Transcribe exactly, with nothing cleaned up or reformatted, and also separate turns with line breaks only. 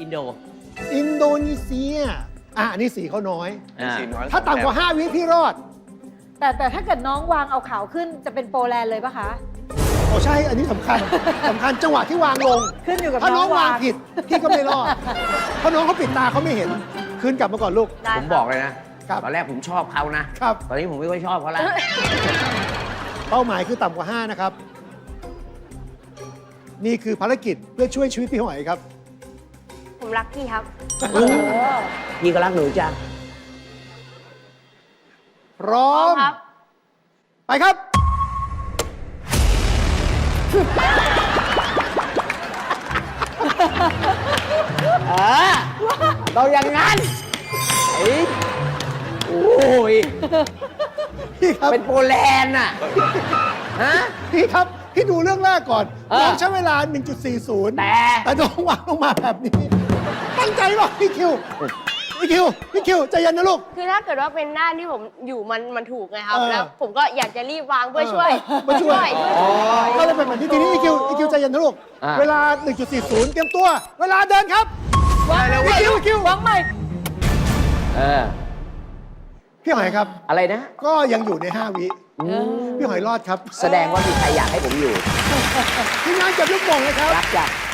อินโด
อินโดนีเซียอ่ะอันนี้สีเขาน้อย
อ่า
สีน้อย
ถ้าต่ำกว่าห้าวิพี่รอด
แต่แต่ถ้าเกิดน้องวางเอาขาวขึ้นจะเป็นโปแลนด์เลยปะคะ
โอ้ใช่ อันนี้สำคัญ สำคัญจังหวะที่วางลง
ขึ้นอยู่กับ
ถ้าน้อง
น้อง
วาง
วาง
ผิด พี่ก็ไม่รอด เพราะน้องเขาปิดตาเขาไม่เห็น คืนกลับมาก่อนลูก
ได้
ผม
ค
บ
รั
อบ กเลยนะ
ครับ
ตอนแรกผมชอบเขานะ
ครับ
ตอนนี้ผมไม่ค่อยชอบเขาแล้ว
เป้าหมายคือต่ำกว่าห้านะครับ นี่คือภารกิจเพื่อช่วยชีวิตพี่หอยครับ
ผมรักพี่ครับ
โอ้
พี่ก็รักหนูจ้ะ
พร้อม
ครับ
ไปครับ
เออเราอย่างนั้นไอ้โอ้ย
พี่ครับ
เป็นโปแลนด์น่ะ ฮะ
พี่ครับ พี่ดูเรื่องแรกก่อน
เออ
น้องใช้เวลา หนึ่งจุดสี่ศูนย์
แต่
แต่น้องวางลงมาแบบนี้ ตั้งใจป่ะพี่คิว พี่คิว พี่คิวใจเย็นนะลูก
คือถ้าเกิดว่าเป็นหน้าที่ผมอยู่มันมันถูกไงครับ
เออ
แล้วผมก็อยากจะรีบวางเพื่อช่วย
เพื่อช่วย
ช่วย
อ๋อก็เลยเป็นแบบนี้ทีนี้อีคิวอีคิวใจเย็นนะลูก
อ่า
เวลา หนึ่งจุดสี่ศูนย์ เตรียมตัว เวลาเดินครับ
วางใหม่
อีคิวอีคิว
วางใหม่
เออ
พี่หอยครับ
อะไรนะ
ก็ยังอยู่ใน ห้า วิ
อืม
พี่หอยรอดครับ
แสดงว่ามีใครอยากให้ผมอยู่
ทีมงานเก็บลูกโป่งเลยครับ
รักจ้ะ